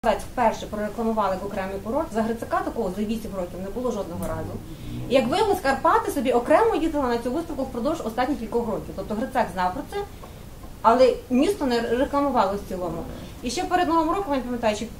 Вперше прорекламували як окремий курорт, за Грицака такого за 8 років не було жодного разу. І як виявилось, Карпати собі окремо їздили на цю виставку впродовж останніх кількох років. Тобто Грицак знав про це, але місто не рекламувало в цілому. І ще перед Новим роком, я пам'ятаю, що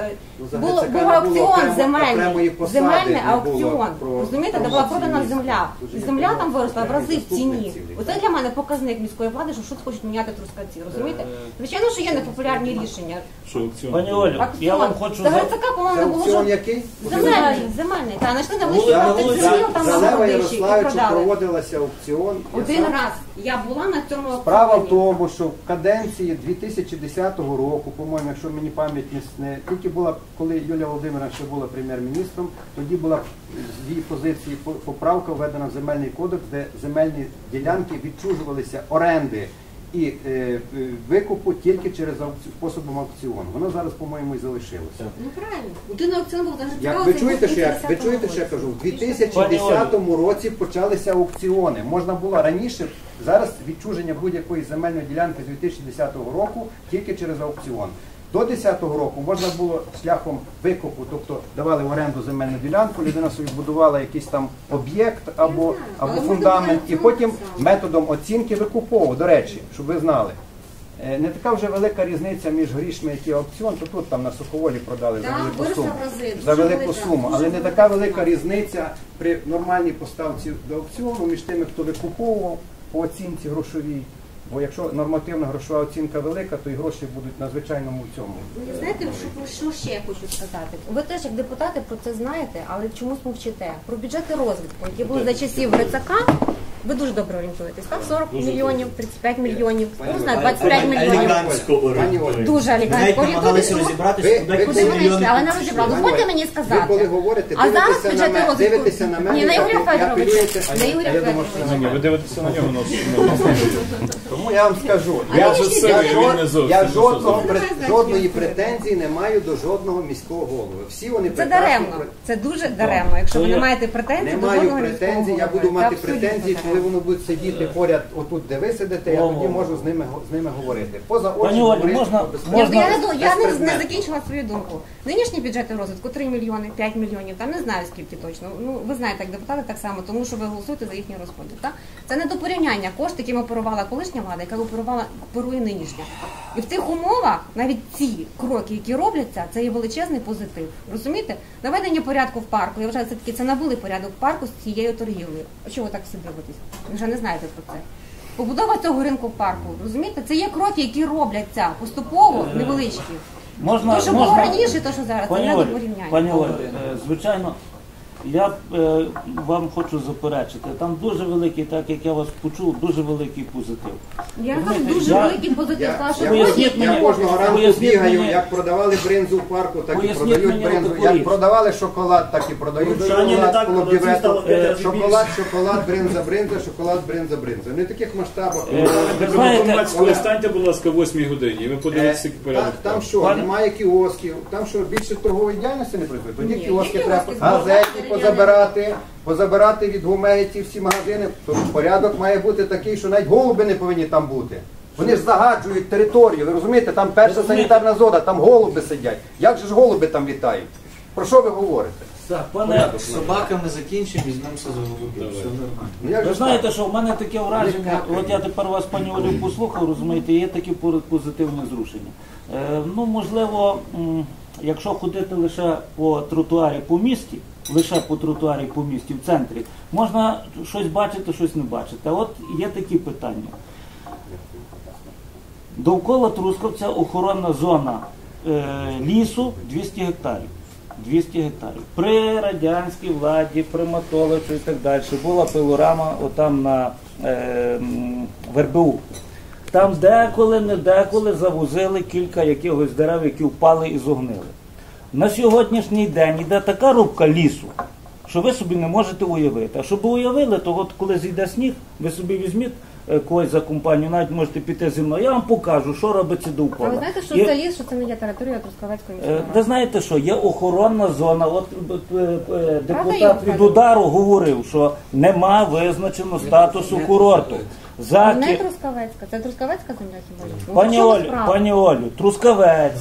був аукціон земельний аукціон. Розумієте, де була продана земля. І земля там виросла в рази в ціні. Оце для мене показник міської влади, що щось хочуть міняти Трускавці. Розумієте? Звичайно, що є непопулярні рішення. Пані Олю, я вам хочу... Та Грицака, по-моєму, не було... Аукціон який? Земельний. Та, знайшли на вулиці, там на Залева Городищі і Ярославичу продали. проводилася аукціон. Один раз. Я була на цьому аукціоні. Справа в тому, що в каденції 2010 року, по-моєму, якщо мені пам'ять не тільки була, коли Юлія Володимирівна ще була прем'єр-міністром, тоді була з її позиції поправка введена в земельний кодекс, де земельні ділянки відчужувалися оренди і викупу тільки через способом аукціону. Воно зараз, по-моєму, і залишилося. Ну правильно. Один аукціон був навіть цікавий. Ви чуєте, що я кажу? В 2010 році почалися аукціони. Можна було раніше, зараз відчуження будь-якої земельної ділянки з 2010 року тільки через аукціон. До 2010 року можна було шляхом викупу, тобто давали в оренду земельну ділянку, людина собі будувала якийсь там об'єкт або фундамент, і потім методом оцінки викуповував. До речі, щоб ви знали, не така вже велика різниця між грішми, які аукціон, то тут там на Суховолі продали за велику суму, але не така велика різниця при нормальній поставці до аукціону між тими, хто викуповував по оцінці грошовій. Бо якщо нормативна грошова оцінка велика, то і гроші будуть на звичайному цьому. Ви знаєте, що ще я хочу сказати? Ви теж як депутати про це знаєте, але чомусь мовчите. Про бюджети розвитку, які були за часів Грицака, ви дуже добре орієнтуєтесь. Так? 40 мільйонів, 35 мільйонів, не знаю, 25 мільйонів. Дуже елегантно орієнтуєтесь. Куди ви йшли, але не розібрали. Дозвольте мені сказати. Ви коли говорите, а зараз бюджети розвитку. дивитеся на мене, ні, на Ігоря Федоровича. На Ігоря Федоровича. Ви дивитеся на нього. Тому я вам скажу, я жодної претензії не маю до жодного міського голови. Всі вони це даремно, це дуже даремно. Якщо ви не маєте претензій до жодного міського голови. Я буду мати претензії, коли вони будуть сидіти поряд, отут, де ви сидите, я тоді можу з ними говорити. Поза очі говорити. Я не закінчила свою думку. Нинішні бюджети розвитку 3 мільйони, 5 мільйонів, там не знаю скільки точно. Ну, ви знаєте, як депутати так само, тому що ви голосуєте за їхні розходи. Так? Це не до порівняння кошти, якими оперувала колишня влада, яка оперує нинішня. І в цих умовах навіть ці кроки, які робляться, це є величезний позитив. Розумієте? Наведення порядку в парку, я вважаю, все-таки це навели порядок в парку з цією торгівлею. А чого ви так всі дивитесь? Ви вже не знаєте про це. Побудова цього ринку в парку, розумієте? Це є кроки, які робляться поступово, невеличкі. То, що було раніше, то, що зараз, це не до порівняння. Пані Оль, звичайно, я вам хочу заперечити, там дуже великий, так як я вас почув, дуже великий позитив. Я там дуже великий позитив. Я кожного ранку бігаю, як продавали бринзу в парку, так і продають бринзу. Як продавали шоколад, так і продають шоколад, шоколад, бринза, шоколад, бринза. Не в таких масштабах. Станьте, будь ласка, в 8 годині, і ви подивитеся порядок. Там що, немає кіосків, там що, більше торгової діяльності не працює? Тоді кіоски треба газеті позабирати від гумеї ці всі магазини. Тому порядок має бути такий, що навіть голуби не повинні там бути. Вони ж загаджують територію, ви розумієте, там перша санітарна зона, там голуби сидять. Як же ж голуби там літають? Про що ви говорите? З собаками закінчимо, візьмемося за голубів. Все нормально. Ви знаєте, що в мене таке враження, от я тепер вас, пані Олю, послухав, розумієте, є такі позитивні зрушення. Ну, можливо, якщо ходити лише по тротуарі по місті, в центрі, можна щось бачити, щось не бачити. А от є такі питання. Довкола Трускавця охоронна зона лісу 200 гектарів. 200 гектарів. При радянській владі, при Матоличу і так далі була пилорама отам на ВРБУ. Там деколи завозили кілька якихось дерев, які впали і зогнили. На сьогоднішній день йде така рубка лісу, що ви собі не можете уявити. А щоб ви уявили, то от коли зійде сніг, ви собі візьміть когось за компанію, навіть можете піти зі мною, я вам покажу, що робиться довкола. А ви знаєте, що це ліс, що це не є територія Трускавецької міської ради? Ви знаєте що, є охоронна зона, от депутат від удару говорив, що нема визначено статусу курорту. Не Трускавецька, це Трускавецька земля хіба? Пані Олю, Трускавець,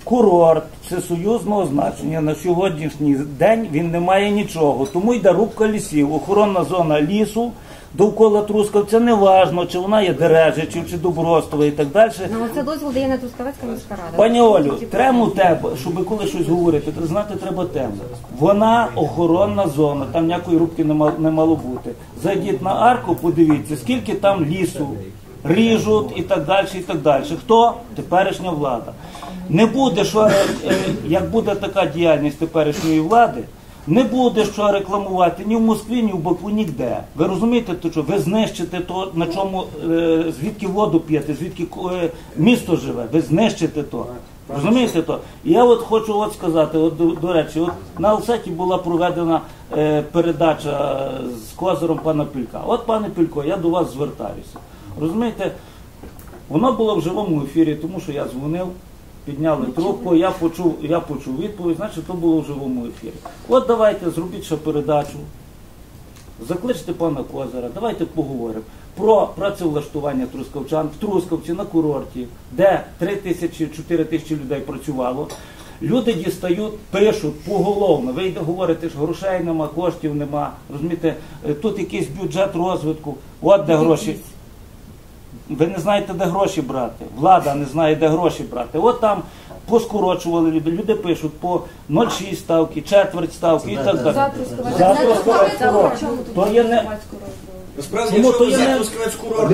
курорт всесоюзного значення на сьогоднішній день він не має нічого. Тому йде рубка лісів, охоронна зона лісу довкола Трускавця, не важно, чи вона є Дережичів, чи Добростова і так далі. Ну, це дозвіл дає не Трускавецька міська рада. Пані Олю, тему тебе, щоб коли щось говорити, то знати треба тему. Вона охоронна зона, там ніякої рубки не мало бути. Зайдіть на арку, подивіться, скільки там лісу ріжуть і так далі, і так далі. Хто? Теперішня влада. Не буде, що, як буде така діяльність теперішньої влади, не буде що рекламувати ні в Москві, ні в Баку, ніде. Ви розумієте, то що ви знищите то, на чому, звідки воду п'єте, звідки місто живе, ви знищите то. Розумієте то? І я от хочу от сказати, от, до речі, от на Алсеті була проведена передача з козиром пана Пілька. От, пане Пілько, я до вас звертаюся. Розумієте, воно було в живому ефірі, тому що я дзвонив, підняли трубку, я почув відповідь, значить, то було в живому ефірі. От давайте, зробіть ще передачу, закличте пана Козира, давайте поговоримо про працевлаштування трускавчан в Трускавці на курорті, де 3 тисячі, 4 тисячі людей працювало. Люди дістають, пишуть поголовно, ви говорите, що грошей нема, коштів нема, розумієте, тут якийсь бюджет розвитку, от де гроші. Ви не знаєте, де гроші брати. Влада не знає, де гроші брати. От там поскорочували люди. Люди пишуть по 0,6 ставки, четверть ставки і так далі. За Трускавець курорт. То є Насправді, якщо взяти Трускавець курорт,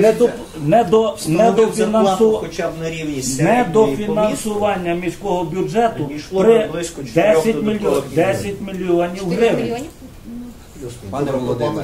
хоча б на рівні недофінансування міського бюджету при 10 мільйонів гривень. Пане Володимир,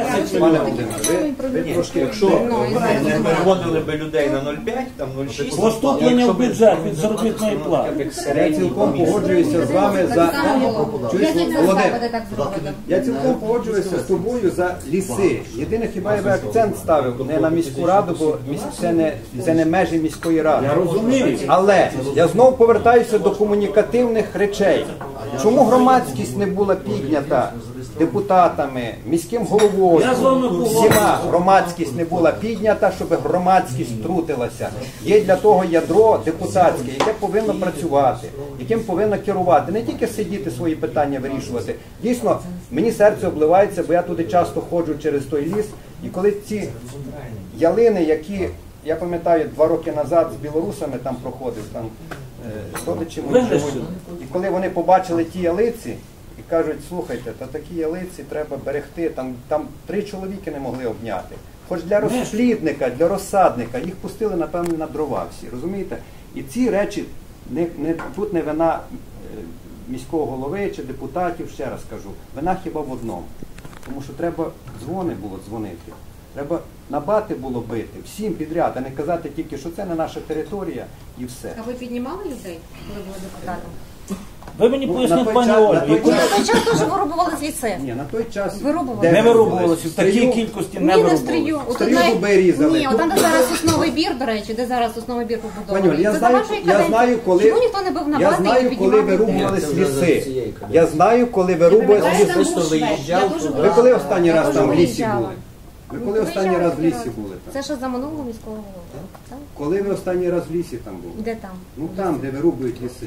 ви трошки, якщо не переводили би людей на 0,5, там 0,6, поступлення в бюджет від заробітної плати. я цілком погоджуюся з вами за... Володимир, я цілком погоджуюся з тобою за ліси. Єдине, хіба я би акцент ставив не на міську раду, бо це не межі міської ради. Я розумію. Але я знову повертаюся до комунікативних речей. Чому громадськість не була піднята депутатами, міським головою, всіма громадськість не була піднята, щоб громадськість втрутилася. Є для того ядро депутатське, яке повинно працювати, яким повинно керувати, не тільки сидіти свої питання вирішувати. Дійсно, мені серце обливається, бо я туди часто ходжу через той ліс, і коли ці ялини, які, я пам'ятаю, 2 роки назад з білорусами там проходив, там родичі мої живуть, і коли вони побачили ті ялиці, і кажуть, слухайте, та такі ялиці треба берегти, там 3 чоловіки не могли обняти. Хоч для розплідника, для розсадника, їх пустили, напевно, на дрова всі, розумієте? І ці речі, тут не вина міського голови чи депутатів, ще раз кажу, вина хіба в одному. Тому що треба дзвони було дзвонити, треба на бати було бити, всім підряд, а не казати тільки, що це не наша територія і все. А ви піднімали людей, коли були депутатом? Ви мені поясніть, пані Олі. На той час теж вирубували ліси. Ні, на той час не вирубувалося, в такій кількості не вирубувалося. Стрію дуби різали. Ні, там, де зараз сосновий бір, до речі, де зараз сосновий бір побудований. Я знаю, коли чому ніхто не бив на бати і піднімав вирубувались ліси. Я знаю, коли вирубувались ліси. Ви коли останній раз там в лісі були? Ви коли останній раз в лісі були? Це ще за минулого міського голови. Коли ви останній раз в лісі там були? Де там? Ну там, де вирубують ліси.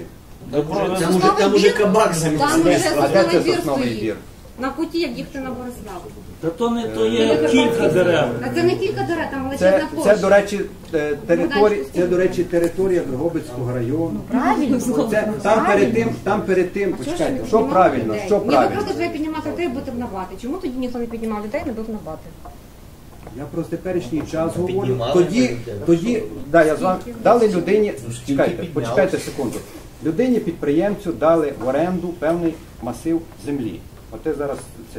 Там уже кабак замість. Там вже А де це сосновий сосновий бір бір? на куті, як їхати на Бориславу. Та то є кілька дерев. А це не кілька дерев, там величезна площа. Це, до речі, територія Дрогобицького району. Правильно. Там перед тим, почекайте, що правильно, що Ні, ви правильно? просто треба піднімати людей, бути на бати. Чому тоді ніхто не піднімав людей, не бив на бати? Я про теперішній час говорю. Піднімали Тоді, я з вами, дали людині, почекайте секунду. Людині підприємцю дали в оренду певний масив землі. Оте зараз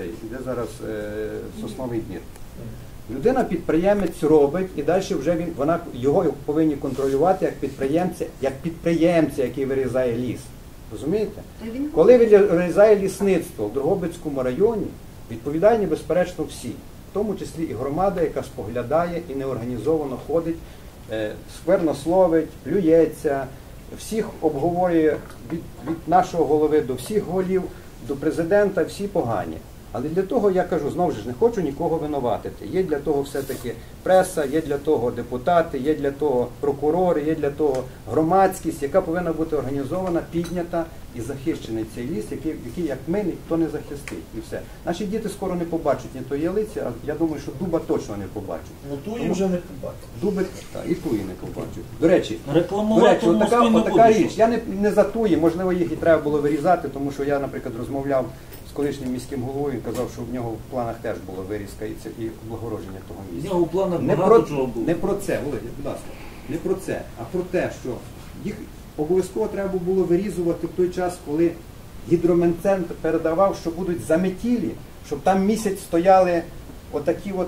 сосновий двір. Людина-підприємець робить, і далі вже його повинні контролювати як підприємця, який вирізає ліс. Розумієте? Коли вирізає лісництво в Дрогобицькому районі, відповідальні, безперечно, всі. В тому числі і громада, яка споглядає і неорганізовано ходить, сквернословить, плюється, всіх обговорює від нашого голови до всіх голів, до президента, всі погані. Але для того, я кажу, знову ж не хочу нікого винуватити. Є для того все-таки преса, є для того депутати, є для того прокурори, є для того громадськість, яка повинна бути організована, піднята і захищений цей ліс, який як ми, ніхто не захистить. І все. Наші діти скоро не побачать ні тої ялиці, а я думаю, що дуба точно не побачать. Ну ту вже не побачив. Дуби, так, і туї не побачать. До речі, Рекламувати в Москві не отака буду. річ. Я не за туї, можливо, їх і треба було вирізати, тому що я, наприклад, розмовляв з колишнім міським головою, він казав, що в нього в планах теж була вирізка і облагородження того З місця. нього в планах Не багато про, чого було. не про це, Володя, будь ласка, не про це, а про те, що їх обов'язково треба було вирізувати в той час, коли гідрометцентр передавав, що будуть заметілі, щоб там місяць стояли отакі от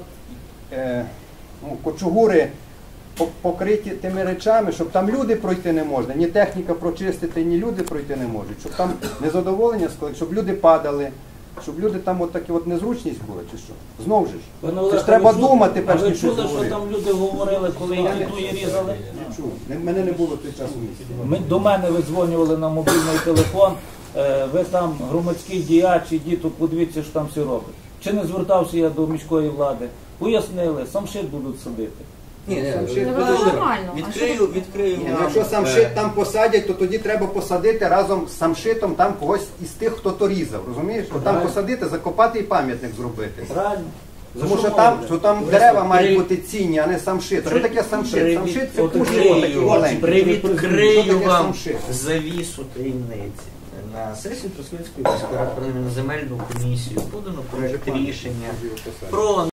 кочугури покриті тими речами, щоб там люди пройти не можна, ні техніка прочистити, ні люди пройти не можуть, щоб там незадоволення склали, щоб люди падали, щоб люди там от такі от незручність була, чи що? Знову ж, це ж треба думати, перш ніж щось чули, що говорити. там люди говорили, коли які туї різали? Не чув. Мене не було в той час у місті. До мене видзвонювали на мобільний телефон, ви там громадський діяч, ідіть, тут подивіться, що там все робить. Чи не звертався я до міської влади? Пояснили, самшит будуть садити. Ні, Самшит Ну, буде. нормально. А що відкрию Ні, вам, якщо самшит там посадять, то тоді треба посадити разом з самшитом там когось із тих, хто то різав, розумієш? То там Правильно. посадити, закопати і пам'ятник зробити. Правильно? Тому що там дерева мають бути цінні, а не самшит. Що таке самшит? Самшит це кущі отакі маленькі. Що Привідкрию таке вам самшит? завісу таємниці. На сесії Трускавецької міської ради на земельну комісію подано проект рішення про